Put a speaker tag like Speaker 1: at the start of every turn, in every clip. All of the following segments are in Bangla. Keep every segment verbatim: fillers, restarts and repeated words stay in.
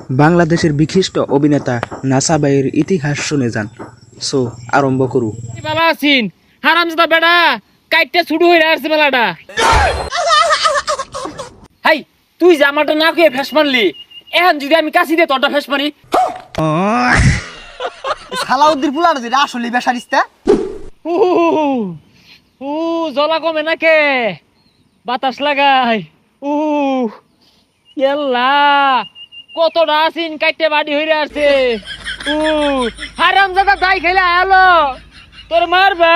Speaker 1: বাংলাদেশের বিশিষ্ট অভিনেতা নাসা ভাইয়ের ইতিহাস শুনে যান। সো আরম্ভ করু।
Speaker 2: বাবা আছিন হারামজাদা বেড়া কাইটটা ছুটু হইরা আসছে মেলাটা। হাই তুই যে আমারটা না খেয়ে ফেস মারলি, এখন যদি আমি কাছি দিয়ে তোরটা ফেস মারি।
Speaker 3: সালাউদ্দিন পুলার যে আসলে বেসারিস্তা
Speaker 2: উ উ জলা কমে নাকে বাতাস লাগাই। উ ইয়াল্লা কতটা আছিন কাইটে বাড়ি হইরা আসছে। উ হারামজাদা দাই খাইলে আলো তোর মারবা।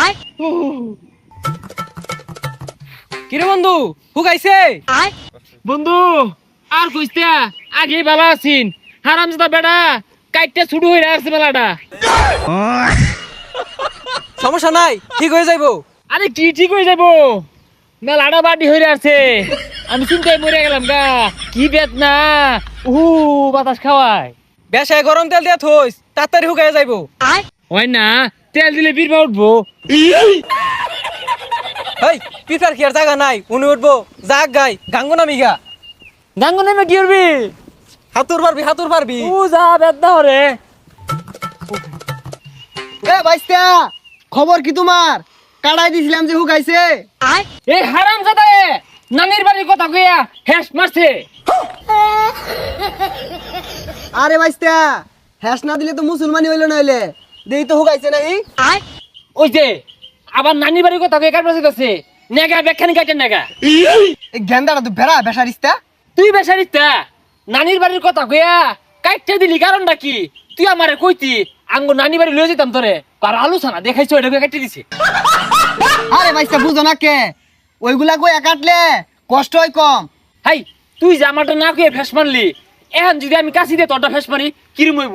Speaker 2: কিরে বন্ধু হুকাইছে? বন্ধু আর কইতে আগে ভালো আছিন, হারামজাদা বেড়া কাইটটা ছুটু হইরা আসছে মেলাটা।
Speaker 4: সমস্যা নাই, ঠিক হয়ে যাইবো।
Speaker 2: আরে কি ঠিক হয়ে যাবো, মেলাটা বাড়ি হইরা আসছে, আমি চিন্তায় মরে গেলাম গা। কি বেদনা, উহু বাতাস খাওয়ায়।
Speaker 4: বেশায় গরম তেল দিয়া থইস, তাড়াতাড়ি হুকাইয়া যাইবো।
Speaker 2: হয় না তেল দিলে বীরবা উঠবো।
Speaker 4: হেই পিঠার কি আর জায়গা নাই, উনি উঠবো জাগ গাই গাঙ্গু নামি গা।
Speaker 2: গাঙ্গু নেমে কি করবি?
Speaker 4: হাতুর পারবি হাতুর পারবি।
Speaker 2: ও যা বেদনা হরে।
Speaker 3: এ বাইস্তা খবর কি তোমার? কাড়াই দিছিলাম যে হুকাইছে।
Speaker 2: এই হারামজাদা এ নানির বাড়ির কথা কইয়া হেস মারছে।
Speaker 3: আরে বাইস্তা হ্যাস না দিলে তো মুসলমানি হইলো না হইলে দেই তো হুকাইছে নাই।
Speaker 2: ওই যে আবার নানির বাড়ির কথা কইয়া কাটবাছে আছে নেগা বেখানি কাটেন নেগা।
Speaker 3: এই গেন্দাটা তো বেড়া বেসারিস্তা।
Speaker 2: তুই বেসারিতা নানির বাড়ির কথা কইয়া কাটতে দিলি কারণটা কি? তুই আমারে কইতি আঙ্গো নানি বাড়ি লয়ে যেতাম তোরে, আর আলোচনা দেখাইছো এটা কাটতে দিছে।
Speaker 3: আরে বাইস্তা বুঝো না কে ওইগুলা কইয়া কাটলে কষ্ট হয় কম।
Speaker 2: হাই তুই যে আমারটা না কইয়া ফেস মারলি, এখন যদি আমি কাছি দিয়ে তোরটা ফেস মারি কিরম হইব?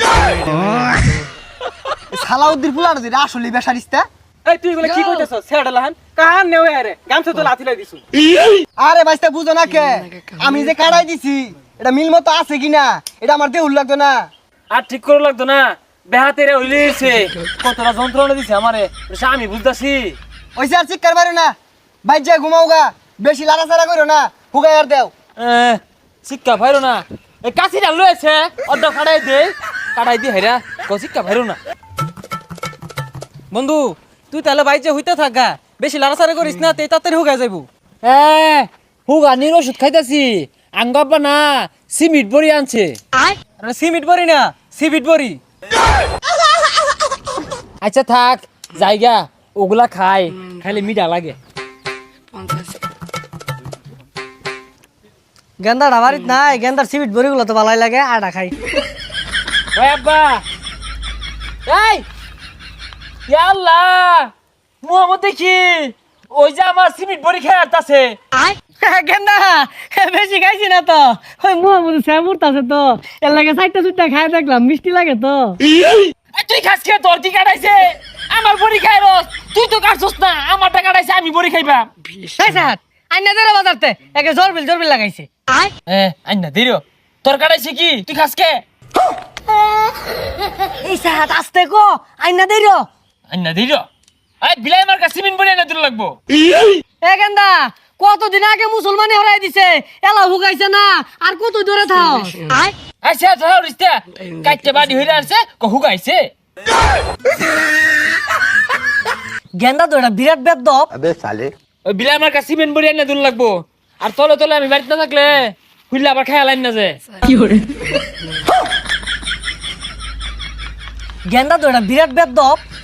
Speaker 3: সালাউদ্দিন পুলার যে আসলে বেসারিস্তা।
Speaker 4: এই তুই এগুলা কি কইতেছ? ছেড়া লাহান কাহান নেও আরে গামছা তো লাথি লাই দিছু।
Speaker 3: আরে বাইস্তা বুঝো না কে আমি যে কাড়াই দিছি এটা মিল মতো আছে কিনা এটা আমার দেহুল লাগতো না।
Speaker 2: আর ঠিক করে লাগতো না, বেহাতে রে হইলেছে কতটা যন্ত্রণা দিছে আমারে, এটা আমি বুঝতাছি।
Speaker 3: ওইসে আর চিৎকার মারো না, বাইর যা ঘুমাও গা, বেশি লাড়াচাড়া করো না, হুগাই আর দেও।
Speaker 2: শিক্ষা ভাইরো না, এই কাছিটা লয়েছে অর্ধ কাটাই দে, কাটাই দি হেরা ক শিক্ষা ভাইরো না।
Speaker 4: বন্ধু তুই তাহলে বাইজে হইতে থাক গা, বেশি লাড়াচাড়া করিস না, তে তাড়াতাড়ি হুকাই যাইবো।
Speaker 2: এ হুগানির ওষুধ খাইতাছি, আঙ্গাব্বা না সিমিট বড়ি আনছে।
Speaker 4: আরে সিমিট বড়ি না সিবিট বড়ি।
Speaker 2: আচ্ছা থাক জায়গা ওগুলা খাই, খাইলে মিঠা লাগে।
Speaker 5: গেন্দার বাড়িত নাই, গেন্দার সিমিট বড়িগুলো তো ভালোই লাগে, আটা খাই।
Speaker 2: ওই আব্বা এই ইয়া আল্লাহ মুহাম্মদ দেখি ওই যে আমার সিমিট বড়ি খেয়ে আসতাছে।
Speaker 5: গেন্দা বেশি খাইছি না তো, ওই মুহা মধ্যে স্যামুরত আছে তো, এর লাগে চারটা চুটটা খাই দেখলাম, মিষ্টি লাগে তো।
Speaker 2: এই তুই খাস খেয়ে তোর কি কাটাইছে? আমার বড়ি খাই রস, তুই তো কাটছস না, আমারটা কাটাইছে আমি বড়ি খাইবা।
Speaker 5: এই স্যার আইনা দেরে বাজারতে একে জরবিল জরবিল লাগাইছে।
Speaker 2: এ আইনা দিরো তোর কাটাইছে কি? তুই খাস কে?
Speaker 5: এই স্যার আস্তে কো আইনা দেরো
Speaker 2: আইনা দিরো এই বিলাই আমার কাছে সিমিট বড়ি এনে দিল লাগবো।
Speaker 5: এ গেন্দা কতদিন আগে মুসলমানি হরাই দিছে, এলা হুগাইছে না, আর কত দূরে থাও।
Speaker 2: আচ্ছা ধর রিস্তা কাটতে বাড়ি হইরা আসছে ক হুগাইছে।
Speaker 5: গেন্দা তো এটা বিরাট বেদব।
Speaker 2: ওই বিলাই আমার কাছে সিমেন্ট বড়ি এনে দিল লাগবো, আর তলে তলে আমি বাড়িতে না থাকলে হুইলে আবার খেয়াল আইন না যে।
Speaker 5: গেন্দা তো এটা বিরাট বেদব।